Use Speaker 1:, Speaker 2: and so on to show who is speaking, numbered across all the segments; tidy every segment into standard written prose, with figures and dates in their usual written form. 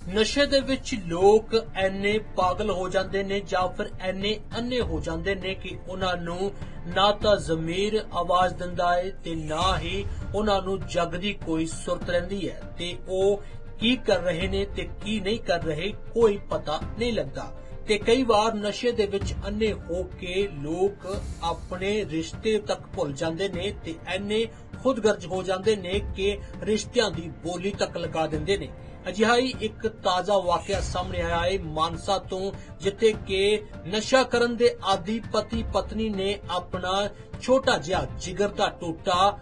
Speaker 1: ਨਸ਼ੇ ਦੇ ਵਿੱਚ ਲੋਕ ਐਨੇ ਪਾਗਲ ਹੋ ਜਾਂਦੇ ਨੇ ਜਾਂ ਫਿਰ ਐਨੇ ਅੰਨੇ ਹੋ ਜਾਂਦੇ ਨੇ ਕਿ ਉਹਨਾਂ ਨੂੰ ਨਾ ਤਾਂ ਜ਼ਮੀਰ ਆਵਾਜ਼ ਦਿੰਦਾ ਹੈ ਤੇ ਨਾ ਹੀ ਉਹਨਾਂ ਨੂੰ ਜਗ ਦੀ ਕੋਈ ਸੁਰਤ ਰਹਿੰਦੀ ਹੈ ਤੇ ਉਹ ਕੀ ਕਰ ਰਹੇ ਨੇ ਤੇ ਕੀ ਨਹੀਂ ਕਰ ਰਹੇ ਕੋਈ ਪਤਾ ਨਹੀਂ ਲੱਗਦਾ। ਤੇ ਕਈ ਵਾਰ ਨਸ਼ੇ ਦੇ ਵਿੱਚ ਅੰਨੇ ਹੋ ਕੇ ਲੋਕ ਆਪਣੇ ਰਿਸ਼ਤੇ ਤੱਕ ਭੁੱਲ ਜਾਂਦੇ ਨੇ ਤੇ ਐਨੇ ਖੁਦਗਰਜ਼ ਹੋ ਜਾਂਦੇ ਨੇ ਕਿ ਰਿਸ਼ਤਿਆਂ ਦੀ ਬੋਲੀ ਤੱਕ ਲਗਾ ਦਿੰਦੇ ਨੇ। ਅਜਿਹਾ ਹੀ ਇੱਕ ਤਾਜ਼ਾ ਵਾਕਿਆ ਸਾਹਮਣੇ ਆਇਆ ਹੈ ਮਾਨਸਾ ਤੋਂ, ਜਿੱਥੇ ਕਿ ਨਸ਼ਾ ਕਰਨ ਦੇ ਆਦੀ ਪਤੀ ਪਤਨੀ ਨੇ ਆਪਣਾ ਛੋਟਾ ਜਿਹਾ ਜਿਗਰ ਦਾ ਟੋਟਾ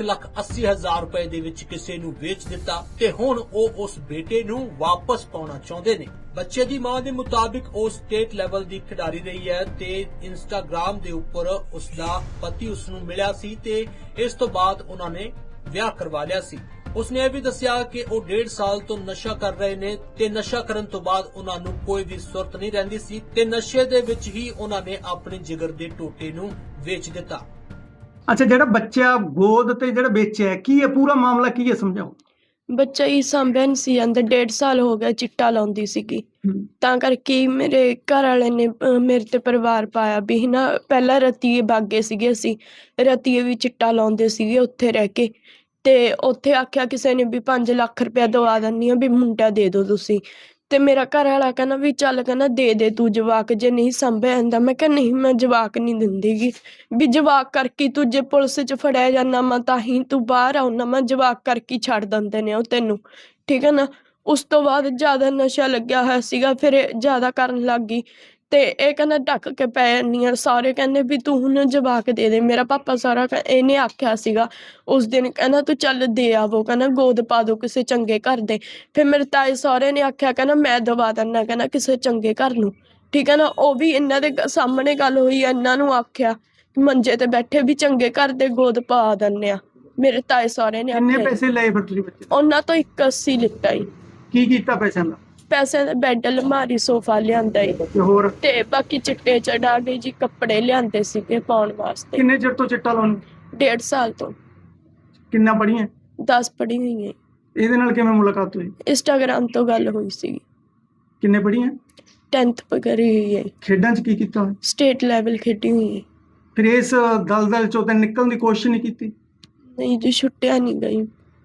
Speaker 1: 1,80,000 ਰੁਪਏ ਦੇ ਵਿੱਚ ਕਿਸੇ ਨੂੰ ਵੇਚ ਦਿੱਤਾ ਤੇ ਹੁਣ ਉਹ ਉਸ ਬੇਟੇ ਨੂੰ ਵਾਪਸ ਪਾਉਣਾ ਚਾਹੁੰਦੇ ਨੇ। ਬੱਚੇ ਦੀ ਮਾਂ ਦੇ ਮੁਤਾਬਿਕ ਉਹ ਸਟੇਟ ਲੈਵਲ ਦੀ ਖਿਡਾਰੀ ਰਹੀ ਹੈ ਤੇ ਇੰਸਟਾਗ੍ਰਾਮ ਦੇ ਉੱਪਰ ਉਸ ਦਾ ਪਤੀ ਉਸ ਨੂੰ ਮਿਲਿਆ ਸੀ ਤੇ ਇਸ ਤੋਂ ਬਾਅਦ ਉਹਨਾਂ ਨੇ ਵਿਆਹ ਕਰਵਾ ਲਿਆ ਸੀ। ਉਸਨੇ ਇਹ ਵੀ ਦੱਸਿਆ ਕਿ ਉਹ 1.5 ਸਾਲ ਤੋਂ ਨਸ਼ਾ ਕਰ ਰਹੇ ਨੇ ਤੇ ਨਸ਼ਾ ਕਰਨ ਤੋਂ ਬਾਅਦ ਉਹਨਾਂ ਨੂੰ ਕੋਈ ਵੀ ਸੁਰਤ ਨਹੀਂ ਰਹਿੰਦੀ ਸੀ ਤੇ ਨਸ਼ੇ ਦੇ ਵਿੱਚ ਹੀ ਉਹਨਾਂ ਨੇ ਆਪਣੇ ਜਿਗਰ ਦੇ ਟੋਟੇ ਨੂੰ ਵੇਚ ਦਿੱਤਾ।
Speaker 2: ਅੱਛਾ, ਜਿਹੜਾ ਬੱਚਾ ਗੋਦ ਤੇ ਜਿਹੜਾ ਵੇਚਿਆ ਕੀ ਹੈ, ਪੂਰਾ ਮਾਮਲਾ ਕੀ ਹੈ, ਸਮਝਾਓ।
Speaker 3: ਬੱਚਾ ਹੀ ਸਾਂਭਿਆ ਨਹੀਂ ਸੀ ਜਾਂਦਾ। 1.5 ਸਾਲ ਹੋ ਗਿਆ ਚਿੱਟਾ ਲਾਉਂਦੀ ਸੀਗੀ, ਤਾਂ ਕਰਕੇ ਮੇਰੇ ਘਰ ਵਾਲੇ ਨੇ ਮੇਰੇ ਤੇ ਪਰਿਵਾਰ ਪਾਇਆ ਵੀ ਨਾ। ਪਹਿਲਾਂ ਰਤੀਏ ਬਾਗੇ ਸੀਗੇ, ਅਸੀਂ ਰਤੀਏ ਵੀ ਚਿੱਟਾ ਲਾਉਂਦੇ ਸੀਗੇ ਉੱਥੇ ਰਹਿ ਕੇ, ਤੇ ਉੱਥੇ ਆਖਿਆ ਕਿਸੇ ਨੇ ਵੀ 5 ਲੱਖ ਰੁਪਇਆ ਦਵਾ ਦਿੰਦੀ ਆ ਵੀ ਮੁੰਡਾ ਦੇ ਦਿਓ ਤੁਸੀਂ। ਤੇ ਮੇਰਾ ਘਰ ਵਾਲਾ ਕਹਿੰਦਾ ਵੀ ਚੱਲ, ਕਹਿੰਦਾ ਦੇ ਤੂੰ ਜਵਾਕ, ਜੇ ਨਹੀਂ ਸਾਂਭਿਆ ਜਾਂਦਾ। ਮੈਂ ਕਿਹਾ ਨਹੀਂ, ਮੈਂ ਜਵਾਕ ਨਹੀਂ ਦਿੰਦੀਗੀ, ਵੀ ਜਵਾਕ ਕਰਕੇ ਤੂੰ ਜੇ ਪੁਲਿਸ 'ਚ ਫੜਿਆ ਜਾਂਦਾ ਮੈਂ ਤਾਂ ਹੀ ਤੂੰ ਬਾਹਰ ਆਉਣਾ, ਮੈਂ ਜਵਾਕ ਕਰਕੇ ਛੱਡ ਦਿੰਦੇ ਨੇ ਉਹ ਤੈਨੂੰ, ਠੀਕ ਹੈ ਨਾ। ਉਸ ਤੋਂ ਬਾਅਦ ਜ਼ਿਆਦਾ ਨਸ਼ਾ ਲੱਗਿਆ ਹੋਇਆ ਸੀਗਾ, ਫਿਰ ਇਹ ਜ਼ਿਆਦਾ ਕਰਨ ਲੱਗ ਗਈ ਤੇ ਇਹ ਕਹਿੰਦਾ ਢੱਕ ਕੇ ਪੈ ਜਾਂਦੀ ਆ। ਸਾਰੇ ਕਹਿੰਦੇ ਵੀ ਤੂੰ ਹੁਣ ਜਵਾਕ ਦੇ ਦੇ। ਮੇਰਾ ਪਾਪਾ ਸਾਰਾ ਇਹਨੇ ਆਖਿਆ ਸੀਗਾ ਉਸ ਦਿਨ, ਕਹਿੰਦਾ ਤੂੰ ਚੱਲ ਦੇ ਆਵੋ, ਕਹਿੰਦਾ ਗੋਦ ਪਾ ਦੋ ਕਿਸੇ ਚੰਗੇ ਘਰ ਦੇ। ਫਿਰ ਮੇਰੇ ਤਾਏ ਸਹੁਰੇ ਨੇ ਆਖਿਆ, ਕਹਿੰਦਾ ਮੈਂ ਦਵਾ ਦਿੰਦਾ, ਕਹਿੰਦਾ ਕਿਸੇ ਚੰਗੇ ਘਰ ਨੂੰ, ਠੀਕ ਹੈ ਨਾ। ਉਹ ਵੀ ਇਹਨਾਂ ਦੇ ਸਾਹਮਣੇ ਗੱਲ ਹੋਈ, ਇਹਨਾਂ ਨੂੰ ਆਖਿਆ ਮੰਜੇ ਤੇ ਬੈਠੇ ਵੀ ਚੰਗੇ ਘਰ ਦੇ ਗੋਦ ਪਾ ਦਿੰਦੇ ਆ। ਮੇਰੇ ਤਾਏ ਸਹੁਰੇ ਨੇ
Speaker 2: ਕਿੰਨੇ
Speaker 3: ਆਖਿਆ।
Speaker 2: ਪੈਸੇ ਲਏ ਫਿਰ ਤੁਸੀਂ ਬੱਚੇ ਤੋਂ?
Speaker 3: ਉਹਨਾਂ ਤੋਂ 81 ਲਿੱਤਾ ਈ।
Speaker 2: ਕੀ ਕੀਤਾ ਪੈਸਿਆਂ ਦਾ?
Speaker 3: ਪੈਸੇ ਦਾ ਬੈੱਡ, ਅਲਮਾਰੀ, ਸੋਫਾ ਲਿਆਂਦਾ ਈ
Speaker 2: ਤੇ ਹੋਰ
Speaker 3: ਤੇ ਬਾਕੀ ਚਿੱਟੇ ਚੜਾ ਗਏ ਜੀ, ਕੱਪੜੇ ਲਿਆਂਦੇ ਸੀਗੇ ਪਾਉਣ ਵਾਸਤੇ।
Speaker 2: ਕਿੰਨੇ ਚਿਰ ਤੋਂ ਚਿੱਟਾ ਲਾਉਣ?
Speaker 3: 1.5 ਸਾਲ ਤੋਂ।
Speaker 2: ਕਿੰਨਾ ਪੜੀਆਂ?
Speaker 3: 10 ਪੜ੍ਹੀ ਹੋਈ ਹੈ।
Speaker 2: ਇਹਦੇ ਨਾਲ ਕਿਵੇਂ ਮੁਲਾਕਾਤ ਹੋਈ?
Speaker 3: ਇੰਸਟਾਗ੍ਰਾਮ ਤੋਂ ਗੱਲ ਹੋਈ ਸੀ।
Speaker 2: ਕਿੰਨੇ ਪੜੀਆਂ?
Speaker 3: 10th ਕਰੀ ਹੋਈ ਹੈ।
Speaker 2: ਖੇਡਾਂ 'ਚ ਕੀ ਕੀਤਾ ਹੋਇਆ?
Speaker 3: ਸਟੇਟ ਲੈਵਲ ਖੇਡੀ ਹੋਈ ਹੈ।
Speaker 2: ਫਿਰ ਇਸ ਦਲਦਲ ਚੋਂ ਤਾਂ ਨਿਕਲਣ ਦੀ ਕੋਸ਼ਿਸ਼ ਨਹੀਂ ਕੀਤੀ?
Speaker 3: ਨਹੀਂ ਜੀ, ਛੁੱਟਿਆ ਨਹੀਂ ਗਈ।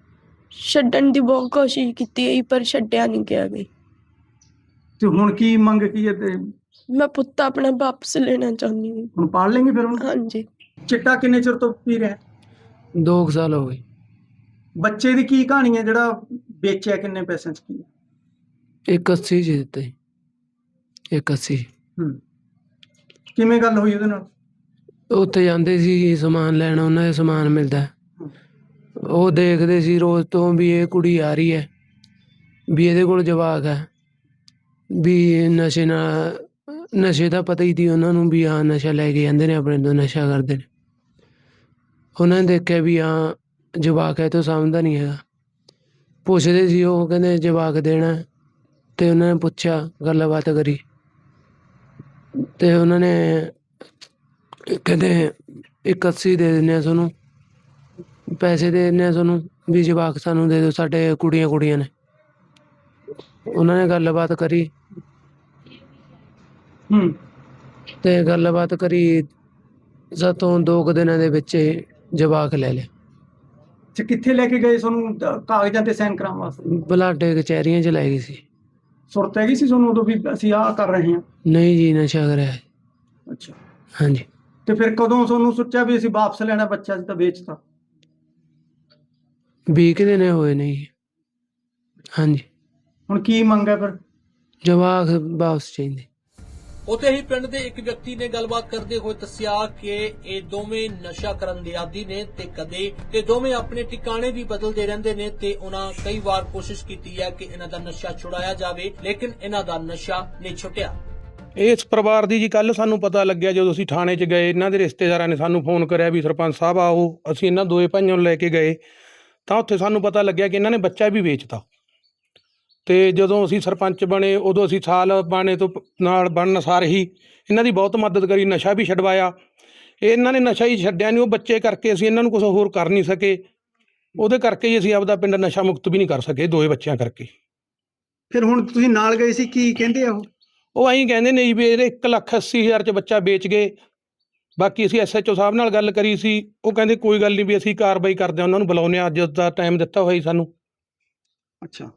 Speaker 3: ਛੱਡਣ ਦੀ ਬਹੁਤ ਕੋਸ਼ਿਸ਼ ਕੀਤੀ ਹੈ ਪਰ ਛੱਡਿਆ ਨਹੀਂ ਗਿਆ ਗਈ।
Speaker 2: ਤੇ ਹੁਣ ਕੀ ਮੰਗ ਕੀ ਹੈ? ਤੇ
Speaker 3: ਮੈਂ ਪੁੱਤ ਆਪਣਾ ਵਾਪਸ ਲੈਣਾ ਚਾਹੁੰਦੀ ਹਾਂ।
Speaker 2: ਹੁਣ ਪਾਲ ਲੈਂਗੇ ਫਿਰ ਹੁਣ?
Speaker 3: ਹਾਂਜੀ।
Speaker 2: ਚਿੱਟਾ ਕਿੰਨੇ ਚਿਰ ਤੋਂ ਪੀ ਰਿਹਾ?
Speaker 4: 2 ਸਾਲ ਹੋ ਗਏ।
Speaker 2: ਬੱਚੇ ਦੀ ਕੀ ਕਹਾਣੀ ਹੈ ਜਿਹੜਾ ਵੇਚਿਆ? ਕਿੰਨੇ ਪੈਸਿਆਂ 'ਚ ਕੀ?
Speaker 4: 81 ਜੀ ਦਿੱਤੇ। 81।
Speaker 2: ਕਿਵੇਂ ਗੱਲ ਹੋਈ ਉਹਦੇ ਨਾਲ?
Speaker 4: ਉੱਥੇ ਜਾਂਦੇ ਸੀ ਸਮਾਨ ਲੈਣ, ਉਹਨਾਂ ਦੇ ਸਮਾਨ ਮਿਲਦਾ, ਉਹ ਦੇਖਦੇ ਸੀ ਰੋਜ਼ ਤੋਂ ਵੀ ਇਹ ਕੁੜੀ ਆ ਰਹੀ ਹੈ, ਵੀ ਇਹਦੇ ਕੋਲ ਜਵਾਕ ਹੈ, ਵੀ ਨਸ਼ੇ ਦਾ ਪਤਾ ਹੀ ਸੀ ਉਹਨਾਂ ਨੂੰ ਵੀ ਹਾਂ ਨਸ਼ਾ ਲੈ ਕੇ ਜਾਂਦੇ ਨੇ ਆਪਣੇ ਤੋਂ, ਨਸ਼ਾ ਕਰਦੇ ਨੇ। ਉਹਨਾਂ ਨੇ ਦੇਖਿਆ ਵੀ ਹਾਂ ਜਵਾਕ ਹੈ, ਤੋਂ ਸਮਝਦਾ ਨਹੀਂ ਹੈਗਾ। ਪੁੱਛਦੇ ਸੀ ਉਹ, ਕਹਿੰਦੇ ਜਵਾਕ ਦੇਣਾ, ਤੇ ਉਹਨਾਂ ਨੇ ਪੁੱਛਿਆ, ਗੱਲਬਾਤ ਕਰੀ ਤੇ ਉਹਨਾਂ ਨੇ ਕਹਿੰਦੇ 81 ਦੇ ਦਿੰਦੇ ਆ ਤੁਹਾਨੂੰ, ਪੈਸੇ ਦੇ ਦਿੰਦੇ ਆ ਤੁਹਾਨੂੰ, ਵੀ ਜਵਾਕ ਸਾਨੂੰ ਦੇ ਦਿਓ, ਸਾਡੇ ਕੁੜੀਆਂ ਨੇ। ਉਹਨਾਂ ਨੇ ਗੱਲਬਾਤ ਕਰੀ ਤੇ ਗੱਲਬਾਤ ਕਰੀ ਸਾਤੋਂ 2 ਦਿਨਾਂ ਦੇ ਵਿੱਚ ਜਵਾਕ ਲੈ ਲਿਆ।
Speaker 2: ਅੱਛਾ, ਕਿੱਥੇ ਲੈ ਕੇ ਗਏ ਤੁਹਾਨੂੰ ਕਾਗਜ਼ਾਂ ਤੇ ਸਾਈਨ ਕਰਾਉਣ ਵਾਸਤੇ?
Speaker 4: ਬਲਾਡੇ ਕਚਹਿਰੀਆਂ 'ਚ ਲੈ ਗਈ ਸੀ।
Speaker 2: ਸੁਰਤ ਹੈਗੀ ਸੀ ਤੁਹਾਨੂੰ ਉਦੋਂ ਵੀ ਅਸੀਂ ਆਹ ਕਰ ਰਹੇ ਹਾਂ?
Speaker 4: ਨਹੀਂ ਜੀ, ਨਸ਼ਾ ਕਰਿਆ।
Speaker 2: ਅੱਛਾ।
Speaker 4: ਹਾਂਜੀ।
Speaker 2: ਤੇ ਫਿਰ ਕਦੋਂ ਤੁਹਾਨੂੰ ਸੋਚਿਆ ਵੀ ਅਸੀਂ ਵਾਪਸ ਲੈਣਾ ਬੱਚਾ? ਅਸੀਂ ਤਾਂ ਵੇਚਤਾ।
Speaker 4: 20 ਕੁ ਦਿਨ ਹੋਏ ਨੇ ਜੀ। ਹਾਂਜੀ।
Speaker 2: ਹੁਣ ਕੀ ਮੰਗ ਹੈ ਫਿਰ?
Speaker 4: ਜਵਾਕ ਵਾਪਸ ਚਾਹੀਦੇ।
Speaker 1: ਉੱਥੇ ਹੀ ਪਿੰਡ ਦੇ ਇੱਕ ਵਿਅਕਤੀ ਨੇ ਗੱਲਬਾਤ ਕਰਦੇ ਹੋਏ ਦੱਸਿਆ ਕਿ ਇਹ ਦੋਵੇਂ ਨਸ਼ਾ ਕਰਨ ਦੇ ਆਦੀ ਨੇ ਤੇ ਦੋਵੇਂ ਆਪਣੇ ਟਿਕਾਣੇ ਵੀ ਬਦਲਦੇ ਰਹਿੰਦੇ ਨੇ ਤੇ ਉਹਨਾਂ ਕਈ ਵਾਰ ਕੋਸ਼ਿਸ਼ ਕੀਤੀ ਹੈ ਕਿ ਇਹਨਾਂ ਦਾ ਨਸ਼ਾ ਛੁਡਾਇਆ ਜਾਵੇ, ਲੇਕਿਨ ਇਹਨਾਂ ਦਾ ਨਸ਼ਾ ਨਹੀਂ ਛੁੱਟਿਆ।
Speaker 5: ਇਸ ਪਰਿਵਾਰ ਦੀ ਜੀ ਕੱਲ ਸਾਨੂੰ ਪਤਾ ਲੱਗਿਆ ਜਦੋਂ ਅਸੀਂ ਥਾਣੇ 'ਚ ਗਏ, ਇਹਨਾਂ ਦੇ ਰਿਸ਼ਤੇਦਾਰਾਂ ਨੇ ਸਾਨੂੰ ਫੋਨ ਕਰਿਆ ਵੀ ਸਰਪੰਚ ਸਾਹਿਬ ਆਓ। ਅਸੀਂ ਇਹਨਾਂ ਦੋਵੇਂ ਭਾਈਆਂ ਨੂੰ ਲੈ ਕੇ ਗਏ ਤਾਂ ਉੱਥੇ ਸਾਨੂੰ ਪਤਾ ਲੱਗਿਆ ਕਿ ਇਹਨਾਂ ਨੇ ਬੱਚਾ ਵੀ ਵੇਚਤਾ। ਤੇ ਜਦੋਂ ਅਸੀਂ ਸਰਪੰਚ ਬਣੇ ਉਦੋਂ ਅਸੀਂ ਸਾਲ ਬਾਣੇ ਤੋਂ ਨਾਲ ਬਣਨ ਸਾਰ ਹੀ ਇਹਨਾਂ ਦੀ ਬਹੁਤ ਮਦਦ ਕਰੀ, ਨਸ਼ਾ ਵੀ ਛਡਵਾਇਆ। ਇਹਨਾਂ ਨੇ ਨਸ਼ਾ ਹੀ ਛੱਡਿਆ ਨਹੀਂ, ਉਹ ਬੱਚੇ ਕਰਕੇ ਅਸੀਂ ਇਹਨਾਂ ਨੂੰ ਕੁਛ ਹੋਰ ਕਰ ਨਹੀਂ ਸਕੇ। ਉਹਦੇ ਕਰਕੇ ਹੀ ਅਸੀਂ ਆਪਦਾ ਪਿੰਡ ਨਸ਼ਾ ਮੁਕਤ ਵੀ ਨਹੀਂ ਕਰ ਸਕੇ, ਦੋਵੇਂ ਬੱਚਿਆਂ ਕਰਕੇ।
Speaker 2: ਫਿਰ ਹੁਣ ਤੁਸੀਂ ਨਾਲ ਗਏ ਸੀ, ਕੀ ਕਹਿੰਦੇ ਆ
Speaker 5: ਉਹ ਐਂ ਕਹਿੰਦੇ ਨੇ ਜੀ ਵੀ ਇਹਦੇ 1,80,000 ਚ ਬੱਚਾ ਵੇਚ ਗਏ। ਬਾਕੀ ਅਸੀਂ SHO ਸਾਹਿਬ ਨਾਲ ਗੱਲ ਕਰੀ ਸੀ, ਉਹ ਕਹਿੰਦੇ ਕੋਈ ਗੱਲ ਨਹੀਂ ਵੀ ਅਸੀਂ ਕਾਰਵਾਈ ਕਰਦੇ ਹਾਂ, ਉਹਨਾਂ ਨੂੰ ਬੁਲਾਉਂਦੇ ਹਾਂ, ਅੱਜ ਦਾ ਟਾਈਮ ਦਿੱਤਾ ਹੋਇਆ ਜੀ ਸਾਨੂੰ।
Speaker 2: ਅੱਛਾ,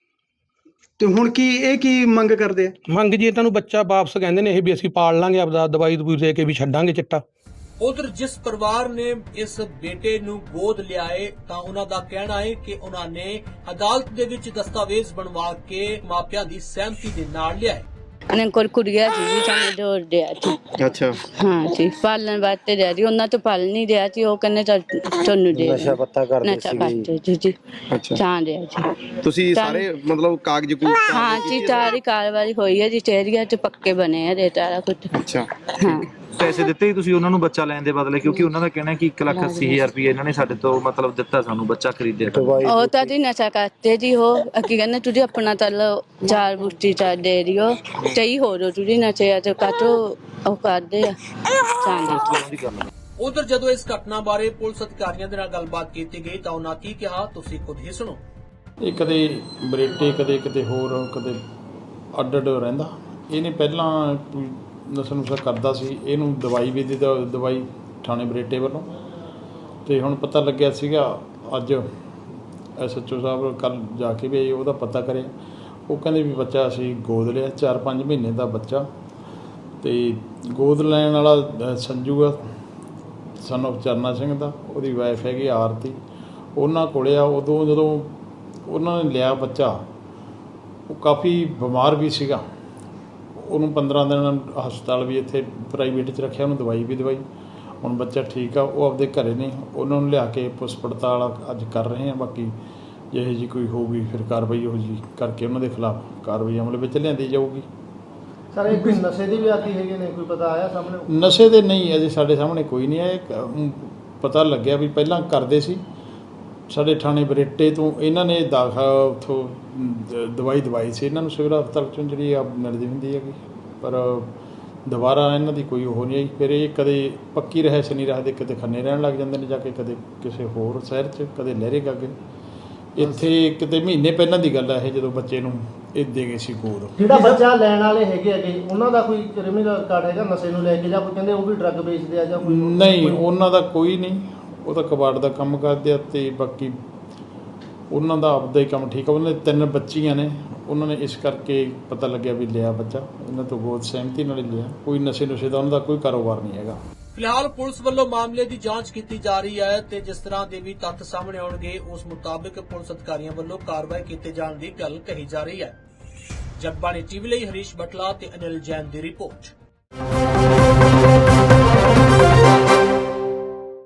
Speaker 2: ਤੇ ਹੁਣ ਕੀ ਮੰਗ ਕਰਦੇ ਆ?
Speaker 5: ਮੰਗ ਜੀ ਇਹਨਾਂ ਨੂੰ ਬੱਚਾ ਵਾਪਸ ਕਹਿੰਦੇ ਨੇ ਇਹ ਵੀ ਅਸੀਂ ਪਾਲ ਲਾਂਗੇ, ਆਪਦਾ ਦਵਾਈ ਦਵੂਈ ਦੇ ਕੇ ਵੀ ਛੱਡਾਂਗੇ ਚਿੱਟਾ।
Speaker 1: ਉਧਰ ਜਿਸ ਪਰਿਵਾਰ ਨੇ ਇਸ ਬੇਟੇ ਨੂੰ ਗੋਦ ਲਿਆ ਹੈ ਤਾਂ ਉਹਨਾਂ ਦਾ ਕਹਿਣਾ ਹੈ ਕਿ ਉਹਨਾਂ ਨੇ ਅਦਾਲਤ ਦੇ ਵਿੱਚ ਦਸਤਾਵੇਜ਼ ਬਣਵਾ ਕੇ ਮਾਪਿਆਂ ਦੀ ਸਹਿਮਤੀ ਦੇ ਨਾਲ ਲਿਆ ਹੈ।
Speaker 6: ਉਹਨਾਂ ਕੋਲ ਕੁੜੀਆਂ ਸੀ ਜੀ, ਸਾਨੂੰ ਜੋਰ ਦਿਆ ਸੀ।
Speaker 7: ਅੱਛਾ,
Speaker 6: ਹਾਂ ਜੀ, ਪਾਲਣ ਵਾਸਤੇ ਦਿਆ ਜੀ, ਉਹਨਾਂ ਤੋਂ ਪਾਲ ਨਹੀਂ ਦਿਆ ਸੀ। ਉਹ ਕਹਿੰਦੇ ਤੁਹਾਨੂੰ ਦੇ
Speaker 7: ਨਸ਼ਾ ਪੱਤਾ ਕਰਦੇ
Speaker 6: ਸੀਗੇ ਜੀ।
Speaker 7: ਅੱਛਾ,
Speaker 6: ਤਾਂ ਦਿਆ ਜੀ।
Speaker 7: ਤੁਸੀਂ ਸਾਰੇ ਮਤਲਬ ਕਾਗਜ਼ ਕੂਗਜ਼
Speaker 6: ਹਾਂ ਜੀ, ਸਾਰੀ ਕਾਰਵਾਈ ਹੋਈ ਹੈ ਜੀ, ਚੇਰੀਆ ਚ ਪੱਕੇ ਬਣੇ ਆ ਦੇ ਸਾਰਾ ਕੁਝ।
Speaker 7: ਅੱਛਾ,
Speaker 6: ਹਾਂ,
Speaker 8: ਪੈਸੇ ਦਿੱਤੇ ਹੀ ਤੁਸੀਂ ਉਹਨਾਂ ਨੂੰ ਬੱਚਾ ਲੈਣ ਦੇ ਬਦਲੇ, ਕਿਉਂਕਿ ਉਹਨਾਂ ਦਾ ਕਹਿਣਾ ਕਿ 1,80,000 ਰੁਪਏ ਇਹਨਾਂ ਨੇ ਸਾਡੇ ਤੋਂ ਮਤਲਬ ਦਿੱਤਾ ਸਾਨੂੰ ਬੱਚਾ ਖਰੀਦਿਆ।
Speaker 6: ਉਹ ਤਾਂ ਜੀ ਨਸ਼ਾ ਕਰਤੇ ਜੀ। ਉਹ ਕੀ ਕਹਿੰਦੇ ਤੁਸੀਂ ਆਪਣਾ ਤਲ ਚਾਰ ਬੁੱਟੀ ਚਾਰ ਦੇ ਦਿਓ, ਸਹੀ ਹੋ ਜੋ ਤੁਸੀਂ ਨਸ਼ੇ ਆ ਤੇ ਕਾਟੋ ਉਹ ਕਰਦੇ ਆ ਚਾਂਦੀ।
Speaker 1: ਉਧਰ ਜਦੋਂ ਇਸ ਘਟਨਾ ਬਾਰੇ ਪੁਲਿਸ ਅਧਿਕਾਰੀਆਂ ਦੇ ਨਾਲ ਗੱਲਬਾਤ ਕੀਤੀ ਗਈ ਤਾਂ ਉਹਨਾਂ ਕੀ ਕਿਹਾ, ਤੁਸੀਂ ਖੁਦ ਹੀ ਸੁਣੋ।
Speaker 9: ਇਹ ਕਦੇ ਬਰੇਟੇ, ਕਦੇ ਕਿਤੇ ਹੋਰ, ਕਦੇ ਅੱਡ ਰਹਿੰਦਾ। ਇਹਨੇ ਪਹਿਲਾਂ ਕੋਈ ਨਸ਼ਾ ਨੁਸ਼ਾ ਕਰਦਾ ਸੀ, ਇਹਨੂੰ ਦਵਾਈ ਵੀ ਦਿੱਤਾ, ਦਵਾਈ ਥਾਣੇ ਬਰੇਟੇ ਵੱਲੋਂ। ਤੇ ਹੁਣ ਪਤਾ ਲੱਗਿਆ ਸੀਗਾ ਅੱਜ SHO ਸਾਹਿਬ ਕੱਲ ਜਾ ਕੇ ਵੀ ਉਹਦਾ ਪਤਾ ਕਰਿਆ। ਉਹ ਕਹਿੰਦੇ ਵੀ ਬੱਚਾ ਅਸੀਂ ਗੋਦ ਲਿਆ, 4-5 ਮਹੀਨੇ ਦਾ ਬੱਚਾ। ਤੇ ਗੋਦ ਲੈਣ ਵਾਲਾ ਸੰਜੂ ਆ, ਸਨ ਆਫ ਚਰਨਾ ਸਿੰਘ ਦਾ, ਉਹਦੀ ਵਾਈਫ ਹੈਗੀ ਆਰਤੀ, ਉਹਨਾਂ ਕੋਲੇ ਆ। ਉਦੋਂ ਜਦੋਂ ਉਹਨਾਂ ਨੇ ਲਿਆ ਬੱਚਾ, ਉਹ ਕਾਫੀ ਬਿਮਾਰ ਵੀ ਸੀਗਾ। ਉਹਨੂੰ 15 ਦਿਨ ਹਸਪਤਾਲ ਵੀ ਇੱਥੇ ਪ੍ਰਾਈਵੇਟ 'ਚ ਰੱਖਿਆ, ਉਹਨੂੰ ਦਵਾਈ ਵੀ ਦਵਾਈ। ਹੁਣ ਬੱਚਾ ਠੀਕ ਆ, ਉਹ ਆਪਦੇ ਘਰੇ ਨੇ। ਉਹਨਾਂ ਨੂੰ ਲਿਆ ਕੇ ਪੁਲਿਸ ਪੜਤਾਲ ਅੱਜ ਕਰ ਰਹੇ ਹਾਂ। ਬਾਕੀ ਜਿਹੋ ਜਿਹੀ ਕੋਈ ਹੋਊਗੀ ਫਿਰ ਕਾਰਵਾਈ ਉਹ ਜੀ ਕਰਕੇ ਉਹਨਾਂ ਦੇ ਖਿਲਾਫ ਕਾਰਵਾਈ ਅਮਲ ਵਿੱਚ ਲਿਆਂਦੀ ਜਾਊਗੀ।
Speaker 10: ਸਰ ਇਹ ਕੋਈ ਨਸ਼ੇ ਦੀ ਵੀ ਆਦੀ ਹੈਗੇ ਨੇ, ਕੋਈ ਪਤਾ ਆਇਆ ਸਾਹਮਣੇ?
Speaker 9: ਨਸ਼ੇ ਦੇ ਨਹੀਂ, ਅਜੇ ਸਾਡੇ ਸਾਹਮਣੇ ਕੋਈ ਨਹੀਂ ਆਇਆ। ਪਤਾ ਲੱਗਿਆ ਵੀ ਪਹਿਲਾਂ ਕਰਦੇ ਸੀ ਸਾਡੇ ਥਾਣੇ ਬਰੇਟੇ ਤੋਂ। ਇਹਨਾਂ ਨੇ ਉੱਥੋਂ ਦਵਾਈ ਦਵਾਈ ਸੀ ਇਹਨਾਂ ਨੂੰ ਸਿਵਲ ਹਸਪਤਾਲ 'ਚੋਂ, ਜਿਹੜੀ ਆ ਮਿਲਦੀ ਹੁੰਦੀ ਹੈਗੀ, ਪਰ ਦੁਬਾਰਾ ਇਹਨਾਂ ਦੀ ਕੋਈ ਉਹ ਨਹੀਂ ਆਈ। ਫਿਰ ਇਹ ਕਦੇ ਪੱਕੀ ਰਹਿਸ਼ ਨਹੀਂ ਰੱਖਦੇ, ਕਿਤੇ ਖੰਨੇ ਰਹਿਣ ਲੱਗ ਜਾਂਦੇ ਨੇ ਜਾ ਕੇ, ਕਦੇ ਕਿਸੇ ਹੋਰ ਸ਼ਹਿਰ 'ਚ, ਕਦੇ ਲਹਿਰੇ ਗਾਗੇ। ਇੱਥੇ ਕਿਤੇ ਮਹੀਨੇ ਪਹਿਲਾਂ ਦੀ ਗੱਲ ਹੈ ਇਹ, ਜਦੋਂ ਬੱਚੇ ਨੂੰ ਇਹ ਦੇ ਗਏ ਸੀ ਗੋਦ।
Speaker 10: ਜਿਹੜਾ ਬੱਚਾ ਲੈਣ ਵਾਲੇ ਹੈਗੇ ਉਹਨਾਂ ਦਾ ਕੋਈ ਕ੍ਰਿਮੀਨਲ ਰਿਕਾਰਡ ਹੈਗਾ ਨਸ਼ੇ ਨੂੰ ਲੈ ਕੇ, ਜਾਂ ਕੋਈ ਕਹਿੰਦੇ ਉਹ ਵੀ ਡਰੱਗ ਵੇਚਦੇ ਆ ਜਾਂ ਕੋਈ?
Speaker 9: ਨਹੀਂ, ਉਹਨਾਂ ਦਾ ਕੋਈ ਨਹੀਂ। ਉਹ ਤਾਂ ਕਬਾੜ ਦਾ ਕੰਮ ਕਰਦੇ ਆ। ਤੇ ਬਾਕੀ ਉਹਨਾਂ ਦਾ ਆਪਦਾ ਹੀ ਕੰਮ ਠੀਕ ਆ। ਉਹਨਾਂ ਦੇ 3 ਬੱਚੀਆਂ ਨੇ, ਉਹਨਾਂ ਨੇ ਇਸ ਕਰਕੇ ਪਤਾ ਲੱਗਿਆ ਵੀ ਲਿਆ ਬੱਚਾ, ਇਹਨਾਂ ਤੋਂ ਗੋਦ ਸਹਿਮਤੀ ਨਾਲ ਲਿਆ। ਕੋਈ ਨਸ਼ੇ ਨੁਸ਼ੇ ਦਾ ਉਹਨਾਂ ਦਾ ਕੋਈ ਕਾਰੋਬਾਰ ਨਹੀਂ ਹੈਗਾ।
Speaker 1: ਫਿਲਹਾਲ ਪੁਲਿਸ ਵੱਲੋਂ ਮਾਮਲੇ ਦੀ ਜਾਂਚ ਕੀਤੀ ਜਾ ਰਹੀ ਹੈ ਤੇ ਜਿਸ ਤਰ੍ਹਾਂ ਦੇ ਵੀ ਤੱਥ ਸਾਹਮਣੇ ਆਉਣਗੇ ਉਸ ਮੁਤਾਬਕ ਪੁਲਿਸ ਅਧਿਕਾਰੀਆਂ ਵੱਲੋਂ ਕਾਰਵਾਈ ਕੀਤੇ ਜਾਣ ਦੀ ਗੱਲ ਕਹੀ ਜਾ ਰਹੀ ਹੈ। ਜਗਬਾਣੀ TV ਲਈ ਹਰੀਸ਼ ਬਟਲਾ ਤੇ ਅਨਿਲ ਜੈਨ ਦੀ ਰਿਪੋਰਟ।